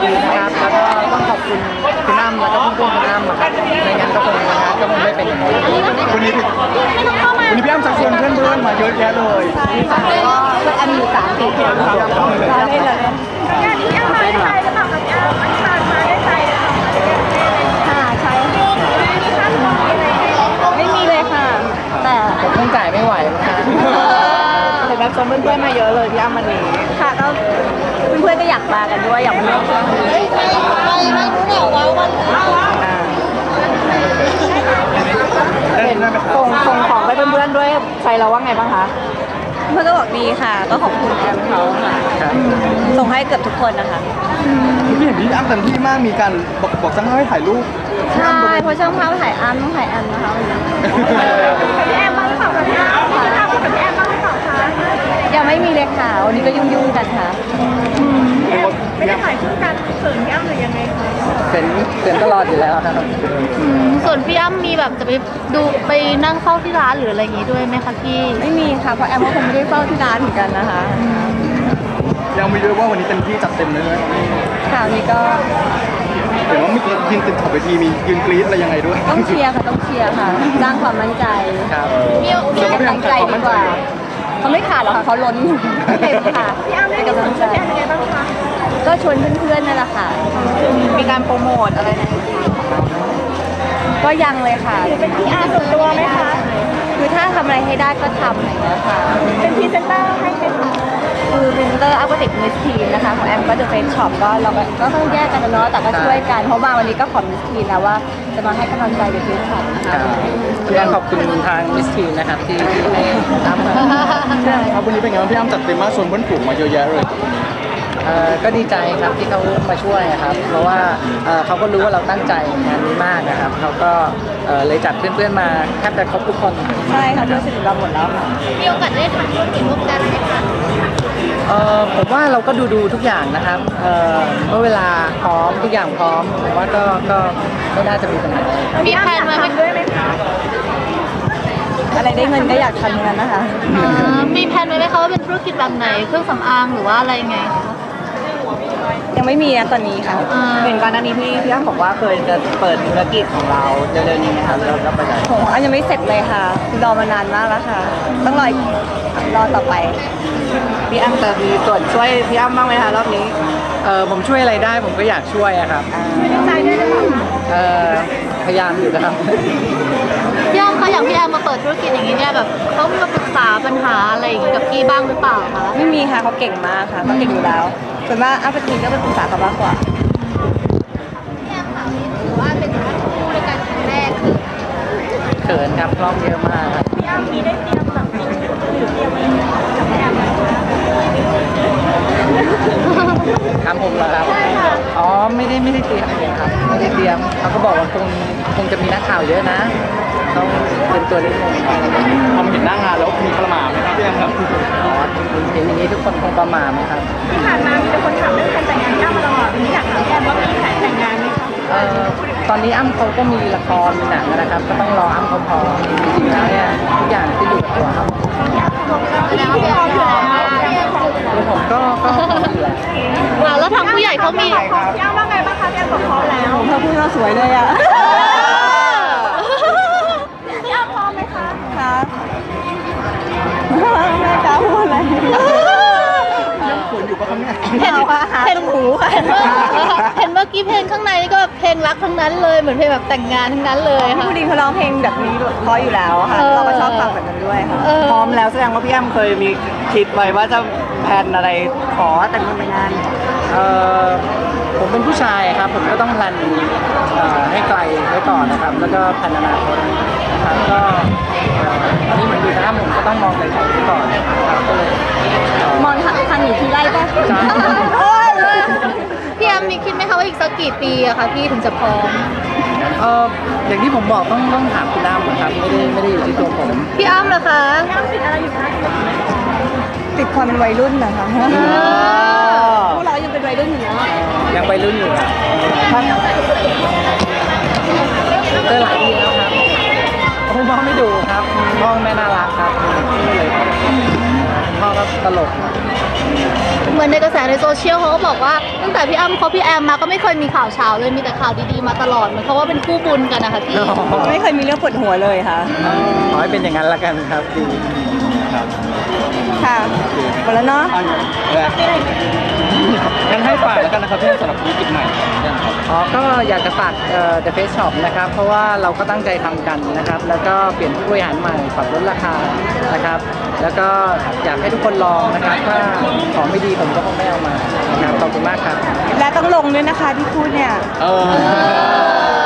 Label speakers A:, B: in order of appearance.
A: ดีนะครับแล้วก็ต้องขอบคุณคุณอ้ำแล้วก็เพื่อนๆคุณอ้ำครับไม่งั้นก็คงไม่เป็นอย่างนี้
B: วันนี้พี่อ้ำชักชวนเพื่อนๆมาเยอะแยะเลย
C: ใช่ค่ะก็เพื่อนมีอยู่3 คนได้เลย
D: พี่อ้ำมาได้ใจหรือเปล่าคะพี่อ้ำมาได้ใจหรือเปล่า
C: ค่ะใช่ไม่มีเลยค่ะแต่
A: ผมคงจ่ายไม่ไหวนะคะ
C: เห็นแบบชมเพื่อนๆมาเยอะเลยพี่อ้ำวันนี้ค่ะก็เพื่อนๆก็อยากมากันด้วยอยากมาร่วมงานส่งของไปเพื่อนๆด้วยใครเราว่าไงบ้างคะเพื่อนก็บอกดีค่ะก็ขอบคุณแอมเขาค่ะส่งให้เกือบทุกคนนะคะ
B: พี่เห็นพี่อ้ำเต็มที่มากมีการบอกช่างภาพให้ถ่ายรูป
C: ใช่เพราะช่างภาพถ่ายอ้ำต้องถ่ายแอมนะคะวันนี้
D: พี่แอมบ้างหรือเปล่าคะพี่อ้ำพี่อ้ำกับพี่แอมบ้างหรือเปล่าคะ
C: ยังไม่มีเลยค่ะวันนี้ก็ยุ่งๆกันค่ะ
D: ไม่ได้ถ่ายคู่กันเขินพี่อ้ำหรือยังไงคะ
A: เป็นตลอดอยู่แล้วครับ
D: ส่วนพี่อ้ำมีแบบจะไปดูไปนั่งเฝ้าที่ร้านหรืออะไรอย่างงี้ด้วยไหมคะพี่
C: ไม่มีค่ะเพราะแอมก็คงไม่ได้เฝ้าที่ร้านเหมือนกันนะคะ
B: ยังไม่รู้ว่าวันนี้เต็มที่จัดเต็มเลย
C: ค่ะวันนี้ก็
B: เห็นว่ามียืนติดขอบเวทีมียืนกรี๊ดอะไรยังไงด้วย
C: ต้องเชียร์ค่ะสร้างความมั่นใจ
A: ครับ
C: มีตั้งใจดีกว่าเขาไม่ขาดหรอกค่ะเขาล้นเต็มค่ะ
D: พี่อ้ำได้กำลังใจยังไงบ้างคะ
C: ก็ชวนเพื่อนๆนั่นแหละค่ะมีการโปรโมทอะไรนะก็ยังเลยค่ะ
D: เป็น PR ส่วนตัวไหมคะ
C: คือถ้าทำอะไรให้ได้ก็ทำอะไรอย่างเงี้ยค่ะ
D: เป็นพรีเซนเตอร์ให้ไหมคะ
C: คือพรีเซนเตอร์อัพก็ติดมิสทีนนะคะของแอมก็เดอะเฟสช็อปก็เราก็ต้องแยกกันเนาะแต่ก็ช่วยกันเพราะมาวันนี้ก็ขอมิสทีนแล้วว่าจะมาให้กำลังใจเดอะเฟสช็อปนะคะ
A: ต้องขอบคุณทางมิสทีนนะครับที่ให้ทำ
B: ครับวันนี้เป็นไงบ้างพี่อ้ำจัดเต็มมากชวนเพื่อนฝูงมาเยอะแยะเลย
A: ก็ดีใจครับที่เขามาช่วยครับเพราะว่าเขาก็รู้ว่าเราตั้งใจงานนี้มากนะครับเขาก็เลยจัดเพื่อนๆมาแทบจะครบทุกคน
C: ใช่ค่ะเพื่อนสนิทเราหมดแล้วค่ะ
D: มีโอกาสได้ทำธุรกิจร่วมกันไหมคะ
A: ผมว่าเราก็ดูทุกอย่างนะครับเมื่อเวลาพร้อมทุกอย่างพร้อมผมว่าก็ไม่น่าจะมีปัญหา
D: มีแผนมาด้วยไหมคะ
C: อะไรได้เงินก็อยากทำอย่างนั้นนะคะ
D: มีแผนไว้ไหมคะว่าเป็นธุรกิจแบบไหนเครื่องสำอางหรือว่าอะไรไง
C: ยังไม่มีนะตอนนี้ค่ะ
A: เห็นก่อนหน้านี้พี่อ้ำบอกว่าเคยจะเปิดธุรกิจของเราเร็วๆนี้นะคะเราไปไหน
C: ผมอันยังไม่เสร็จเลยค่ะรอมานานมากแล้วค่ะต้องรอต่อไป
A: พี่อ้ำจะมีส่วนช่วยพี่อ้ำบ้างไหมคะรอบนี้ผมช่วยอะไรได้ผมก็อยากช่วยอะครับ
D: ช่วยด้วยใจด้วยหรือเปล่า
A: พยายามอยู่นะครับ
D: พี่อ้ำคะอย่างพี่แอมมาเปิดธุรกิจอย่างนี้เนี่ยแบบเขามาปรึกษาปัญหาอะไรอย่างนี้กับพี่บ้างหรือเปล่าคะ
C: ไม่มีค่ะเขาเก่งมากค่ะเขาเก่งอยู่แล้วส่วนมากอ้ำเป็นทีก็เป็นปรึกษาเขามากกว่า
D: พี่แอมค่ะถือว่าเป็นการคู่ในการครั้งแรก
A: เขินครับกล้องเยอะมาก
D: พี่อ้ำมีได้เตรียมแบบหรือเตรียมอะไรกับพี่แอม
A: ทำผมเหรอครับอ๋อไม่ได้เตรียมเลยครับไม่ได้เตรียมเขาก็บอกว่าคงจะมีนักข่าวเยอะนะต้องเป็นตัวนิดนึง
B: พอเห็นหน้างานแล้วมีประหม่าไหมครับพี่แอมครับ
A: อ๋อเห็นอย่างนี้ทุกคนคงประหม่าไหมครับ
D: ที่ผ่านมามีแต่คนถามเรื่องการแต่งงานพี่อ้ำมาตลอดวันนี้อยากถามพี่แอมว่ามีแผนแต่งงานไหมคะ
A: ตอนนี้อ้ำเขาก็มีละครมีหนังนะครับก็ต้องรออ้ำเขาพอจริงๆแล้วเนี่ยทุกอย่างที่อยู่กับตัวอ้ำผมก็
D: แล้วทางผู้ใหญ่เขามีพี่อ้ำว่าไงบ้างคะพี่อ้ำบอกพร้อมแล้ว
C: เขาพูดว่าสวยเลยอ่ะ
D: พี่อ้ำพร้อมไหมคะ
C: ค่ะไม่กล้าพูดเลย
B: ยังขนอยู่ปะครับเนี่ย
D: เห็นหูค่ะเห็นเมื่อกี้เพลงข้างในนี่ก็เพลงรักทั้งนั้นเลยเหมือนเพลงแบบแต่งงานทั้งนั้นเลยค่ะ
C: ผู้ดีเขาร้องเพลงแบบนี้เพราะอยู่แล้วค่ะเราก็ชอบฟังแบบนั้นด้วยค่ะ
A: พร้อมแล้วแสดงว่าพี่อ้ำเคยมีคิดไว้ว่าจะแพลนอะไรขอแต่งงานผมเป็นผู้ชายครับผมก็ต้องแพลนให้ไกลไว้ก่อนนะครับแล้วก็แพลนอนาคตนะครับก็ตอนนี้เหมือนอยู่นะผมก็ต้องมองไกลๆไว้ก่อนนะครับก็เลย
C: มองทางอยู่ที่ไร่ป่ะ
D: พี่อ้ำมีคิดไหมคะว่าอีกสักกี่ปีอะคะพี่ถึงจะพร้อม
A: อย่างที่ผมบอกต้องถามคุณอ้ำนะครับไม่ได้อยู่ที่ตัวผม
D: พี่อ้ำเหรอคะพี่อ้ำติดอะไรอยู่คะ
C: ติดความเป็นวัยรุ่นนะคะพวกเรายังเป็นวัยรุ่นอยู่เนาะ
A: ยังวัยรุ่นอยู่ครับเจอหลายทีแล้วครับคุณพ่อไม่ดูครับพ่อแม่น่ารักครับนี่เลยพ่อก็ตลก
D: เหมือนในกระแสในโซเชียลเขาก็บอกว่าตั้งแต่พี่อ้ำคบพี่แอมมาก็ไม่เคยมีข่าวเช้าเลยมีแต่ข่าวดีๆมาตลอดเหมือนเขาว่าเป็นคู่บุญกันนะคะพี่
C: ไม่เคยมีเรื่องปวดหัวเลยค่ะ
A: ขอให้เป็นอย่างนั้นละกันครับดี
B: ครับ
C: ค่ะหมดแล้วเนาะ
B: งั้นให้ฝากแล้วกันนะครับพี่สำหรับธุรกิจใหม่นะครับ
A: อ๋อก็อยากจะฝากThe Face Shop นะครับเพราะว่าเราก็ตั้งใจทำกันนะครับแล้วก็เปลี่ยนผู้บริหารใหม่ปรับลดราคานะครับแล้วก็อยากให้ทุกคนลองนะครับถ้าของไม่ดีผมก็คงไม่เอามานะครับขอบคุณมากครับ
C: และต้องลงด้วยนะคะที่พูดเนี่ย
B: เออ